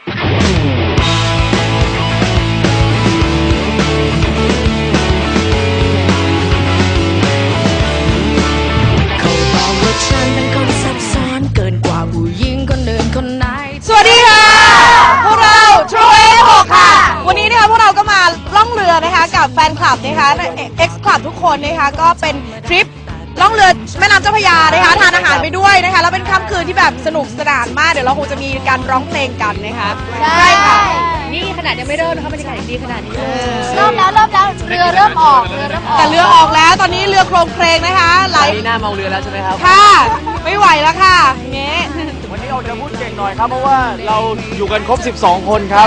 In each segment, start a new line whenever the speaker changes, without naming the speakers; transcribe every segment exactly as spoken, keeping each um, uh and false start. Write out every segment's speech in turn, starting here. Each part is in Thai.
สวัสดีค่ะพวกเรา True เอ หก ค่ะวันนี้นะคะพวกเราก็มาล่องเรือนะคะกับแฟนคลับนะคะ X Club ทุกคนนะคะก็เป็นทริปล่องเรือแม่น้ำเจ้าพระยานะคะทานอาหารไปด้วยนะคะแล้วเป็นค่ำคืนที่แบบสนุกสนานมากเดี๋ยวเราคงจะมีการร้องเพลงกันนะคะใช่ค่ะ
นี่ขนาดยังไม่เริ่มนะคะบรรยากาศดีขนาดนี้
เริ่มแล้วเริ่มแล้วเรือเริ่มออกเรือเริ่มออก
แต่เรือออกแล้วตอนนี้เรือโครงเครงนะคะไหล
หน้าเมาเรือแล้วใช่ไหมครับ
ค่ะไม่ไหวแล้วค่ะเงี้ย
วันนี้เราจะพูดเก่งหน่อยครับเพราะว่าเราอยู่กันครบสิบสองคนครับ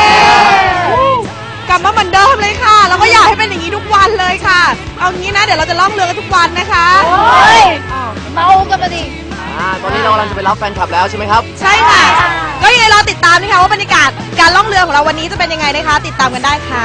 กลับมาเหมือนเดิมเลยค่ะแล้วก็อยากให้เป็นอย่างนี้ทุกวันเลยค่ะเอางี้นะเดี๋ยวเราจะล่องเรือกันทุกวันนะคะ
โอ้ยเมากันมาดิ
อ่าตอนนี้เรากำลังจะไปรับแฟนคลับแล้วใช่ไหมครับ
ใช่ค่ะก็ยังไงรอติดตามนะคะว่าบรรยากาศการล่องเรือของเราวันนี้จะเป็นยังไงนะคะติดตามกันได้ค่ะ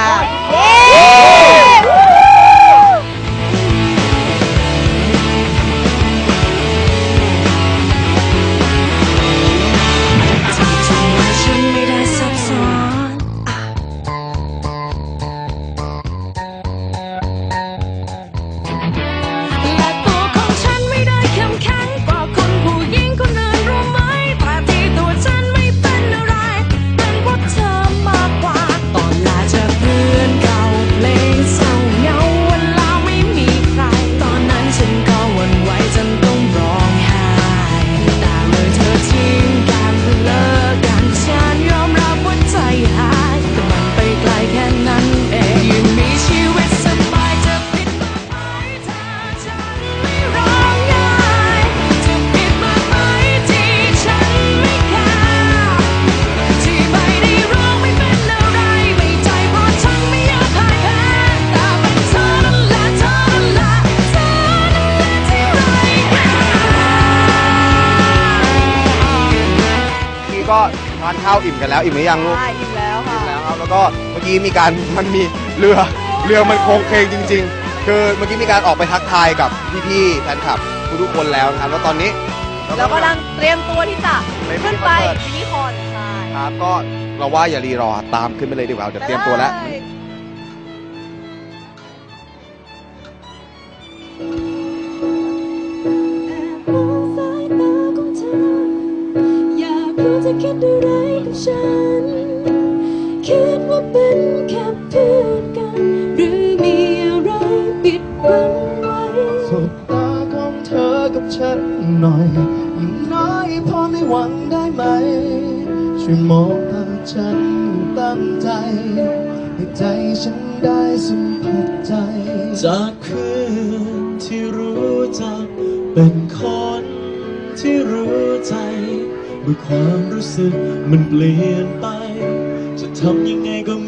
ก็ทานข้าวอิ่มกันแล้วอิ่มหรือยังลูก
อิ่มแล้วค่ะ
อิ่มแล้วครับแล้วก็เมื่อกี้มีการมันมีเรือเรือมันโค้งเคงจริงๆคือเมื่อกี้มีการออกไปทักทายกับพี่ๆแฟนคลับทุกคนแล้วนะครับแล้วตอนนี้
เรากำลังเตรียมตัวที่จะขึ้นไปมินิคอนใช่
ครับก็เราว่าอย่ารีรอตามขึ้นไปเลยดีกว่าเดี๋ยวเตรียมตัวแล้ว
จะคิดอะไรกับฉันคิดว่าเป็นแค่เพื่อนกันหรือมีอะไรปิดบังไว้สบตาของเธอกับฉันหน่อยยิ่งน้อยพอไม่หวังได้ไหมช่วยมองตาฉันตั้งใจให้ใจฉันได้สัมผัสใจจากเพื่อนที่รู้จักเป็นคนที่รู้ใจเมื่อความรู้สึกมันเปลี่ยนไปจะทำยังไงก็